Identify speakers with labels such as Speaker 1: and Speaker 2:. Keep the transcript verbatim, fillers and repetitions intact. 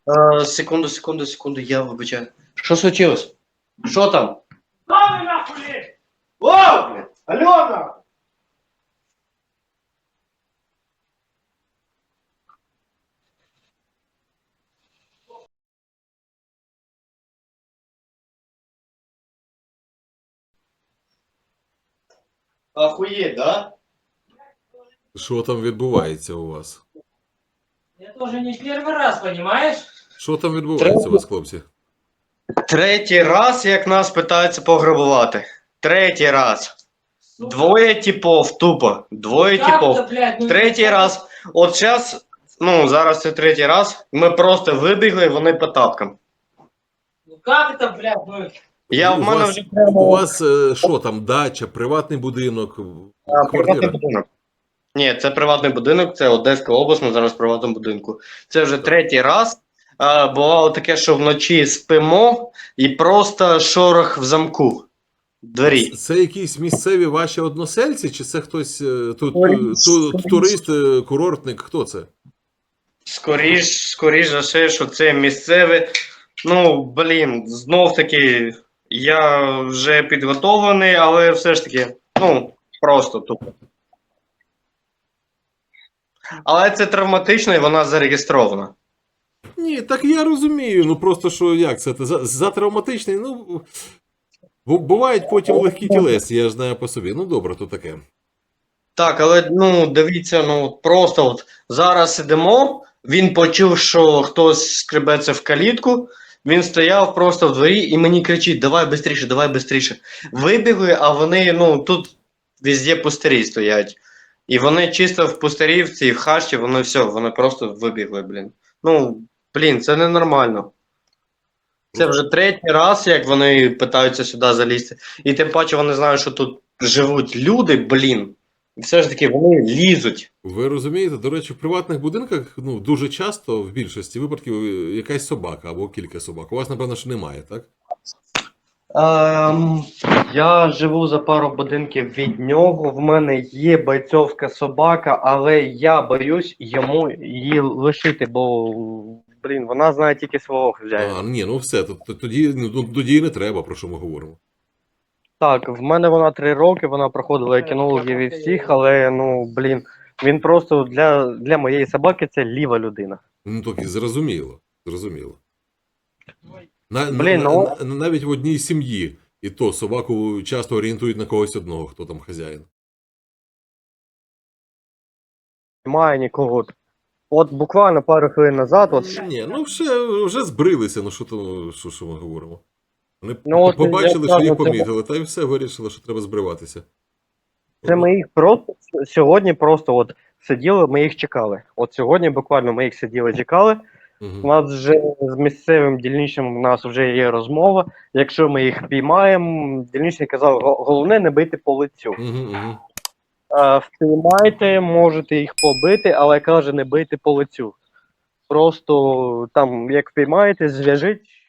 Speaker 1: Е, секунду, секунду, секунду, я вибачаю. Що случилось? Що там?
Speaker 2: Мами нахуй!
Speaker 1: О, блядь! Альона! Охуеть, да?
Speaker 3: Що там відбувається у вас?
Speaker 2: Я тоже не первый раз, понимаешь?
Speaker 3: Що там відбувається у вас, хлопці?
Speaker 1: Третій раз, як нас питаються пограбувати. Третій раз. Двоє типов, тупо. Двоє
Speaker 2: Как-то,
Speaker 1: типов.
Speaker 2: блядь, ну,
Speaker 1: Третій
Speaker 2: как-
Speaker 1: раз. От зараз, ну, зараз це третій раз. Ми просто вибігли, вони по тапкам.
Speaker 2: Ну как это, блядь, ну...
Speaker 1: Я
Speaker 3: у
Speaker 1: в мене
Speaker 3: вас,
Speaker 1: вже прямо.
Speaker 3: у вас е, що там, дача, приватний будинок,
Speaker 1: А, приватний
Speaker 3: квартира?
Speaker 1: будинок. Ні, це приватний будинок, це Одеська область, ми зараз в приватному будинку. Це вже третій раз. А, бувало таке, що вночі спимо і просто шорох в замку. В двері.
Speaker 3: Це якісь місцеві ваші односельці, чи це хтось е, тут
Speaker 1: Турист,
Speaker 3: ту,
Speaker 1: турист.
Speaker 3: турист, е, курортник, хто це?
Speaker 1: Скоріш, скоріш за все, що це місцеве. Ну, блін, знов таки, я вже підготовлений, але все ж таки, ну, просто тупо. Але це травматично і вона зареєстрована.
Speaker 3: Ні, так я розумію. Ну просто що як це? За, за травматичний, ну. бу- Бувають потім легкі тілесні, я ж знаю по собі. Ну добре, то таке.
Speaker 1: Так, але ну дивіться, ну просто от зараз сидимо, він почув, що хтось скребеться в калітку, він стояв просто в дворі і мені кричить: давай бистріше, давай бистріше. Вибігли, а вони, ну, тут везде пустирі стоять. І вони чисто в пустирі, в цій в хащі, вони все, вони просто вибігли, блін. Ну, блін, це ненормально. Це вже третій раз, як вони питаються сюди залізти. І тим паче вони знають, що тут живуть люди, блін. І все ж таки вони лізуть.
Speaker 3: Ви розумієте, до речі, в приватних будинках ну, дуже часто, в більшості випадків, е, якась собака або кілька собак. У вас, напевно, що немає, так?
Speaker 1: Ем, я живу за пару будинків від нього. В мене є бойцовська собака, але я боюсь йому її лишити, бо, блін, вона знає тільки свого хазяїна.
Speaker 3: А, ні, ну все, то- то- тоді, ну, тоді і не треба, про що ми говоримо.
Speaker 1: Так, в мене вона три роки, вона проходила кінологів і всіх, але ну, блін, він просто для, для моєї собаки це ліва людина.
Speaker 3: Ну, так і зрозуміло, зрозуміло. На,
Speaker 1: Блін,
Speaker 3: на,
Speaker 1: ну-
Speaker 3: на- навіть в одній сім'ї, і то собаку часто орієнтують на когось одного, хто там хазяїн.
Speaker 1: Немає нікого. От буквально пару хвилин назад, от
Speaker 3: Ні, ну вже, вже збрилися, ну що то, що, що ми говоримо. Вони
Speaker 1: Ну, от
Speaker 3: побачили,
Speaker 1: я
Speaker 3: що їх
Speaker 1: кажу, це-
Speaker 3: помітили, та й все, вирішили, що треба збриватися.
Speaker 1: це ми їх просто сьогодні просто от сиділи, ми їх чекали. От сьогодні буквально ми їх сиділи, чекали. У
Speaker 3: Угу.
Speaker 1: нас вже з місцевим дільничним у нас вже є розмова. Якщо ми їх піймаємо, дільничний казав, «Го- головне не бити по лицю.
Speaker 3: Угу, угу.
Speaker 1: Е, Впіймайте, можете їх побити, але каже, не бийте по лицю. Просто там, як впіймаєте, зв'яжіть,